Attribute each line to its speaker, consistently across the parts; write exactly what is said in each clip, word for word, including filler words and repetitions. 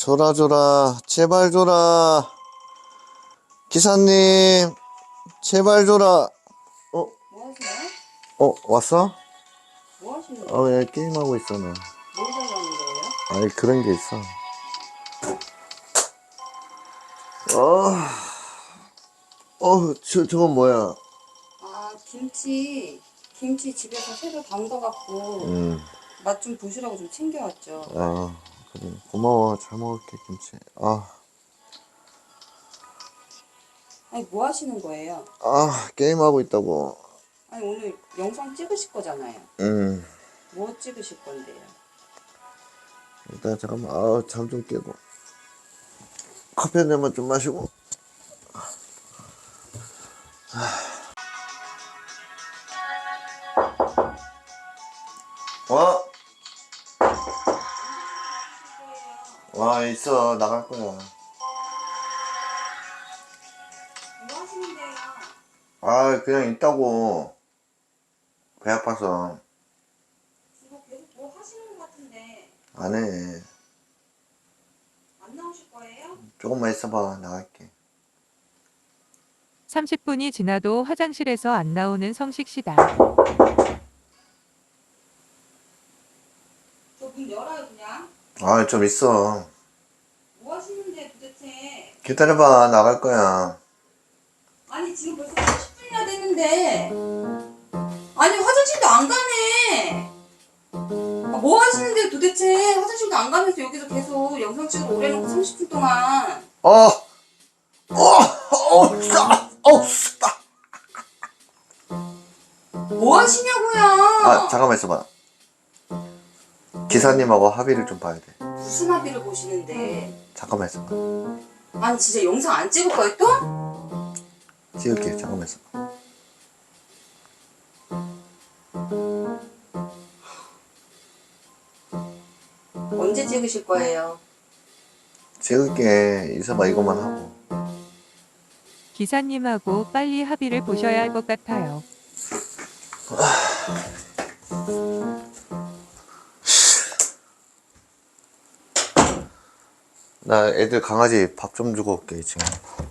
Speaker 1: 줘라 줘라 제발 줘라 기사님 제발 줘라. 어?
Speaker 2: 뭐 하세요?
Speaker 1: 어 왔어?
Speaker 2: 뭐 하시는
Speaker 1: 아
Speaker 2: 거예요?
Speaker 1: 왜 게임하고 있어 너?
Speaker 2: 뭘 달라는 거예요?
Speaker 1: 아니 그런 게 있어. 어, 어, 저, 저건 뭐야?
Speaker 2: 아, 김치. 김치 집에서 새로 담가갖고
Speaker 1: 음,
Speaker 2: 맛 좀 보시라고 좀 챙겨왔죠.
Speaker 1: 아, 그래. 고마워. 잘 먹을게, 김치. 아,
Speaker 2: 아니, 뭐 하시는 거예요?
Speaker 1: 아, 게임하고 있다고.
Speaker 2: 아니, 오늘 영상 찍으실 거잖아요.
Speaker 1: 음,
Speaker 2: 뭐 찍으실 건데요?
Speaker 1: 일단 잠깐만. 아, 잠 좀 깨고. 커피 한 잔만 좀 마시고. 어? 와, 있어. 나갈 거야.
Speaker 2: 뭐 하시는데요?
Speaker 1: 아, 그냥 있다고. 배 아파서.
Speaker 2: 이거 계속 뭐 하시는 것 같은데
Speaker 1: 안 해.
Speaker 2: 안 나오실 거예요?
Speaker 1: 조금만 있어봐. 나갈게.
Speaker 3: 삼십 분이 지나도 화장실에서 안 나오는 성식 씨다.
Speaker 2: 저 문 열어요, 그냥.
Speaker 1: 아, 좀 있어.
Speaker 2: 뭐 하시는데 도대체?
Speaker 1: 기다려봐. 나갈 거야.
Speaker 2: 아니, 지금 벌써 삼십 분이나 됐는데. 아니, 화장실도 안 가네. 아, 뭐 하시는데 도대체 화장실도 안 가면서 여기서 계속 영상 찍으러 오래 놓고 삼십 분 동안.
Speaker 1: 어! 어! 어! 싸! 어! 싸!
Speaker 2: 뭐 하시냐고요?
Speaker 1: 아, 잠깐만 있어봐. 기사님하고 합의를 좀 봐야 돼.
Speaker 2: 무슨 합의를 보시는데.
Speaker 1: 잠깐만 있어봐.
Speaker 2: 아니, 진짜 영상 안 찍을 거예요, 또?
Speaker 1: 찍을게. 잠깐만 있어봐.
Speaker 2: 언제 찍으실 거예요?
Speaker 1: 찍을게. 있어봐. 이것만 하고.
Speaker 3: 기사님하고 빨리 합의를 보셔야 할 것 같아요.
Speaker 1: 나 애들 강아지 밥 좀 주고 올게, 지금.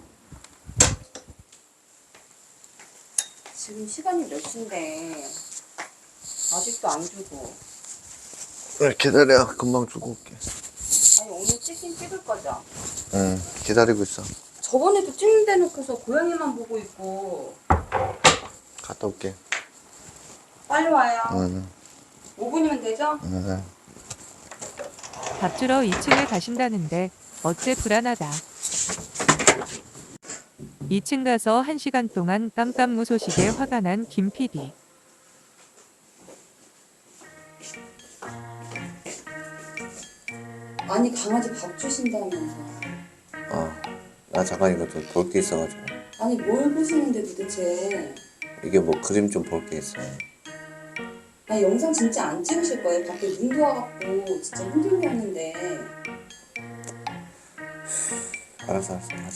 Speaker 2: 지금 시간이 몇 시인데 아직도 안 주고.
Speaker 1: 그래, 기다려. 금방 주고 올게.
Speaker 2: 아니, 오늘 찍긴 찍을 거죠?
Speaker 1: 응, 기다리고 있어.
Speaker 2: 저번에도 찍는데 놓고서 고양이만 보고 있고.
Speaker 1: 갔다 올게.
Speaker 2: 빨리 와요.
Speaker 1: 응,
Speaker 2: 오 분이면 되죠?
Speaker 1: 응.
Speaker 3: 밥 주러 이 층을 가신다는데 어째 불안하다. 이 층 가서 한 시간 동안 깜깜무소식에 화가 난 김 피디.
Speaker 2: 아니, 강아지 밥 주신다면서.
Speaker 1: 어, 나 잠깐 이거 좀 볼 게 있어가지고.
Speaker 2: 아니, 뭘 보시는데 도대체.
Speaker 1: 이게 뭐 그림 좀 볼 게 있어.
Speaker 2: 아니, 영상 진짜 안 찍으실 거예요? 밖에 눈도 와갖고 진짜 힘들게 하는데.
Speaker 1: 알았어, 알았어. 가자.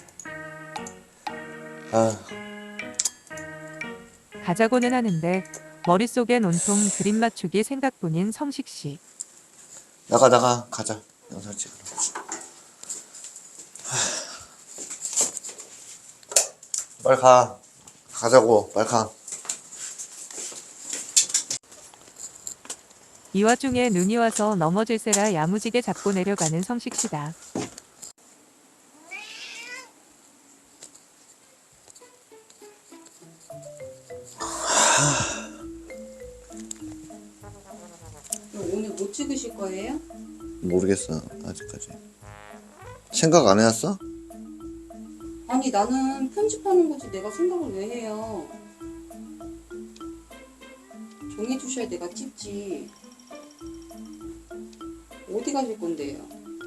Speaker 1: 아,
Speaker 3: 가자고는 하는데 머릿속엔 온통 그림 맞추기 생각뿐인 성식 씨.
Speaker 1: 나가, 나가. 가자. 영상 찍으러. 하... 빨리 가. 가자고. 빨리 가.
Speaker 3: 이 와중에 눈이 와서 넘어질세라 야무지게 잡고 내려가는 성식 씨다.
Speaker 2: 오늘 못 찍으실 거예요?
Speaker 1: 모르겠어. 아직까지. 생각 안 해왔어?
Speaker 2: 아니, 나는 편집하는 거지 내가 생각을 왜 해요? 정해주셔야 내가 찍지. 어디 가실 건데요?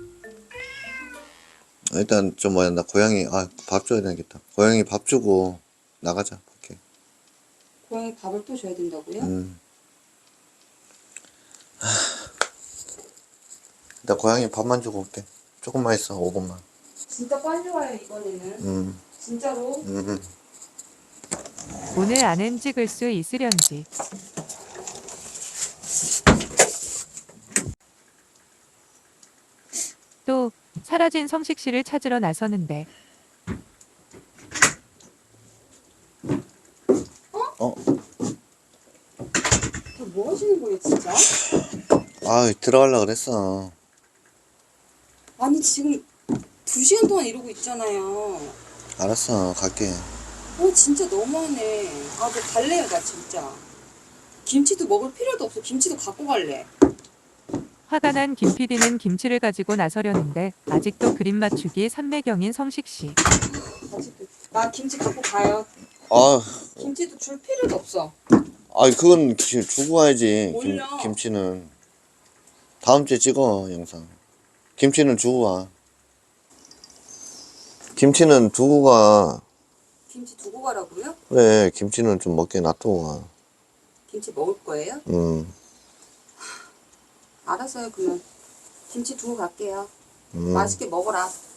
Speaker 1: 일단 좀 뭐야, 나 고양이 아 밥 줘야 되겠다. 고양이 밥 주고 나가자. 오케이.
Speaker 2: 고양이 밥을 또 줘야 된다고요?
Speaker 1: 음. 하... 나 고양이 밥만 주고 올게. 조금만 있어. 오 분만.
Speaker 2: 진짜 빨리 와요, 이번에는.
Speaker 1: 음.
Speaker 2: 진짜로.
Speaker 1: 음. 음.
Speaker 3: 오늘 안엔 찍을 수 있으련지. 또 사라진 성식 씨를 찾으러 나서는데
Speaker 1: 어?
Speaker 2: 저 뭐 하시는 거예요, 진짜?
Speaker 1: 아, 들어가려고 그랬어.
Speaker 2: 아니, 지금 두 시간 동안 이러고 있잖아요.
Speaker 1: 알았어, 갈게.
Speaker 2: 어, 진짜 너무하네. 아, 저 갈래요, 나 진짜. 김치도 먹을 필요도 없어. 김치도 갖고 갈래.
Speaker 3: 화가 난 김 피디는 김치를 가지고 나서려는데 아직도 그림 맞추기 삼매경인 성식 씨.
Speaker 2: 아직도. 나 김치 갖고 가요.
Speaker 1: 아,
Speaker 2: 김치도 줄 필요도 없어.
Speaker 1: 아, 그건 기- 주고 가야지. 김,
Speaker 2: 몰라.
Speaker 1: 김치는. 다음 주에 찍어, 영상. 김치는 주고 가. 김치는 두고 가.
Speaker 2: 김치 두고 가라고요?
Speaker 1: 그래, 김치는 좀 먹게 놔두고 가.
Speaker 2: 김치 먹을 거예요?
Speaker 1: 음,
Speaker 2: 알았어요, 그러면. 김치 두고 갈게요.
Speaker 1: 음.
Speaker 2: 맛있게 먹어라.